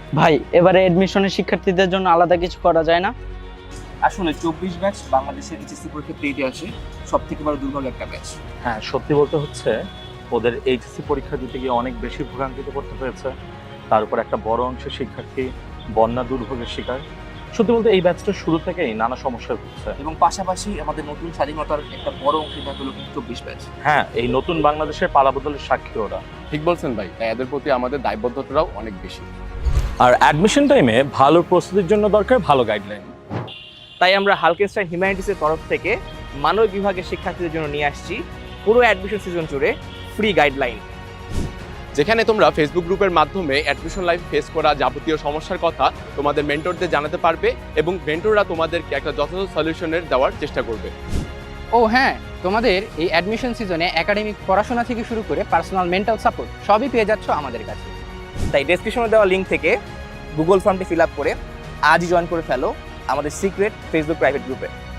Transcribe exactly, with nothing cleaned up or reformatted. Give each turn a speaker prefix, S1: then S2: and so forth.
S1: ভাই এবারে এডমিশনের শিক্ষার্থীদের জন্য আলাদা কিছু করা যায় না?
S2: আসলে চব্বিশ ব্যাচ বাংলাদেশের এইচএসসি পরীক্ষা পেয়ে আসে সব থেকে বড় দুর্বল একটা ব্যাচ।
S3: হ্যাঁ, সত্যি বলতে হচ্ছে ওদের এইচএসসি পরীক্ষা দিতে গিয়ে অনেক বেশি ভোগান্তিতে পড়তে হয়েছে। তার উপর একটা বড় অংশের শিক্ষার্থী বন্যা দুর্ভোগের শিকার। সত্যি বলতে এই ব্যাচটা শুরু থেকেই নানা সমস্যায় ভুগছে।
S2: এবং পাশাপাশি আমাদের নতুন স্বাধীনতার একটা বড় অংশীদার হলো কিন্তু চব্বিশ ব্যাচ।
S3: হ্যাঁ, এই নতুন বাংলাদেশের পালাবদলের সাক্ষী ওরা।
S4: ঠিক বলছেন ভাই, তাই এদের প্রতি আমাদের দায়বদ্ধতাটাও অনেক বেশি।
S3: আর অ্যাডমিশন টাইমে ভালো প্রস্তুতির জন্য দরকার ভালো গাইডলাইন।
S2: তাই আমরা হালকেনস্টাইন হিউম্যানিটিসের তরফ থেকে মানবিক বিভাগের শিক্ষার্থীদের জন্য নিয়ে আসছি পুরো অ্যাডমিশন সিজন জুড়ে ফ্রি গাইডলাইন,
S4: যেখানে তোমরা ফেসবুক গ্রুপের মাধ্যমে অ্যাডমিশন লাইফ ফেস করা যাবতীয় সমস্যার কথা তোমাদের মেন্টরদের জানাতে পারবে এবং মেন্টররা তোমাদেরকে একটা যথাযথ সলিউশনের দেওয়ার চেষ্টা করবে।
S5: ও হ্যাঁ, তোমাদের এই অ্যাডমিশন সিজনে একাডেমিক পড়াশোনা থেকে শুরু করে পার্সোনাল মেন্টাল সাপোর্ট সবই পেয়ে যাচ্ছ আমাদের কাছে।
S2: তাই ডেসক্রিপশনে দেওয়া লিঙ্ক থেকে গুগল ফর্মটি ফিল আপ করে আজই জয়েন করে ফেলো আমাদের সিক্রেট ফেসবুক প্রাইভেট গ্রুপে।